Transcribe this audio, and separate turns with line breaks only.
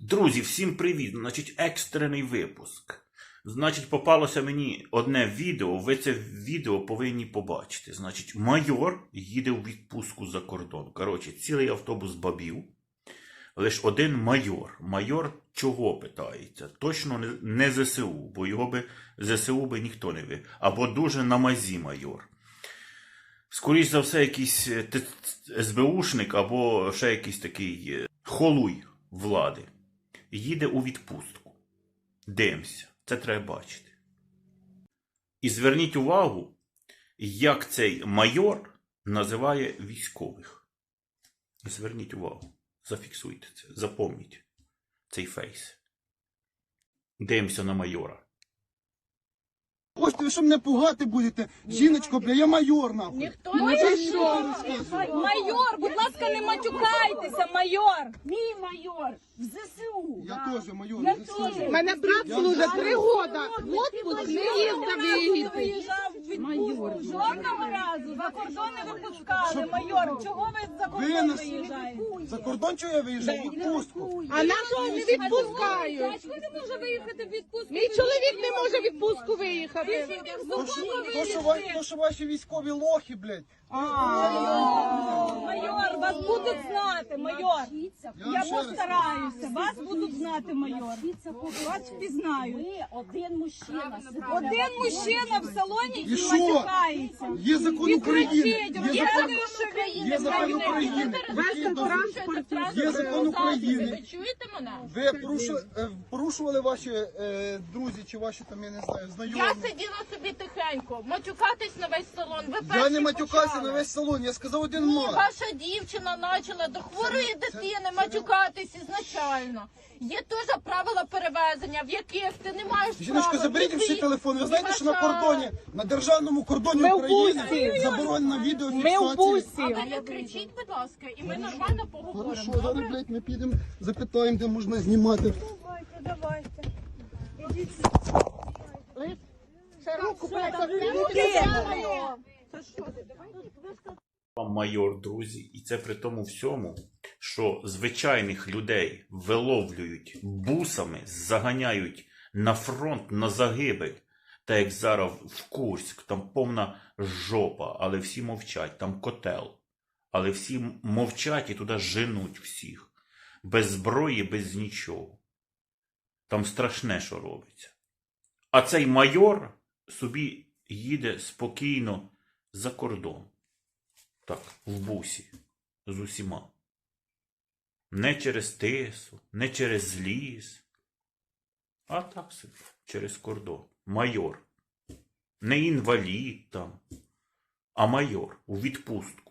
Друзі, всім привіт! Значить, екстрений випуск. Значить, попалося мені одне відео, ви це відео повинні побачити. Значить, майор їде у відпустку за кордон. Коротше, цілий автобус бабів. Лише один майор. Майор чого питається? Точно не ЗСУ, бо його би ЗСУ би ніхто не вив. Або дуже на мазі майор. Скоріше за все, якийсь СБУшник, або ще якийсь такий холуй влади. Їде у відпустку. Дивимося. Це треба бачити. І зверніть увагу, як цей майор називає військових. Зверніть увагу. Зафіксуйте це. Запомніть цей фейс. Дивимося на майора.
Хочете, ви що мене пугати будете? Жіночко, бля, я майор, нахуй.
Ніхто не майор, будь ласка, не матюкайтеся, майор. Мій майор в ЗСУ.
Я теж майор.
Я
ви
теж.
що?
Мене брат служить 3 года. Отпуск не їздив
Ти
виїхати.
виїжджав в відпустку. Жодного разу за кордон не випускали, майор. Чого ви за
Ви
кордон
нас-
виїжджаєте?
За кордон чого я виїжджав? У відпустку.
А нас не відпускають.
Дядько не може виїхати в відпустку.
Мій чоловік не може в відпустку виїхати.
То, що ваші військові лохи, блядь.
Майор, вас будуть знати, майор. Я
ще раз
постараюся. Вас будуть знати, майор. Вас впізнають.
Ви один мужчина.
Один мужчина в салоні
І
і
що?
матюкається.
Є закон
І
України.
кричить,
Є
розказує, що він
Є закон України. Є закон України.
Ви чуєте мене?
Ви порушували ваші друзі чи ваші там, я не знаю, знайомі.
Я сиділа собі тихенько, матюкатись на весь салон. Ви
Я
перші
не матюкався
почали.
на весь салон, я сказав один
Ну,
мат.
ваша дівчина почала до хворої дитини матюкатись ізначально. Є теж правила перевезення, в яких ти не маєш
Жіночко,
права
заберіть
ні
всі
ти,
телефони. Ви
ні
знаєте, що на
ваша-
кордоні, на державному кордоні
Ми в
України
пустці.
заборонена
Ми в
відеофіксація.
бусі.
А ви не кричіть, будь ласка, і ми нормально поговоримо.
Хорошо, зараз,
добре?
блядь, ми підемо, запитаємо, де можна знімати.
Давайте.
Вам майор, друзі, і це при тому всьому, що звичайних людей виловлюють бусами, заганяють на фронт, на загибель. Та як зараз в Курськ, там повна жопа, але всі мовчать, там котел. Але всі мовчать і туди женуть всіх. Без зброї, без нічого. Там страшне, що робиться. А цей майор собі їде спокійно за кордон. Так, в бусі. З усіма. Не через Тису, не через ліс. А так собі, через кордон. Майор. Не інвалід там, а майор у відпустку.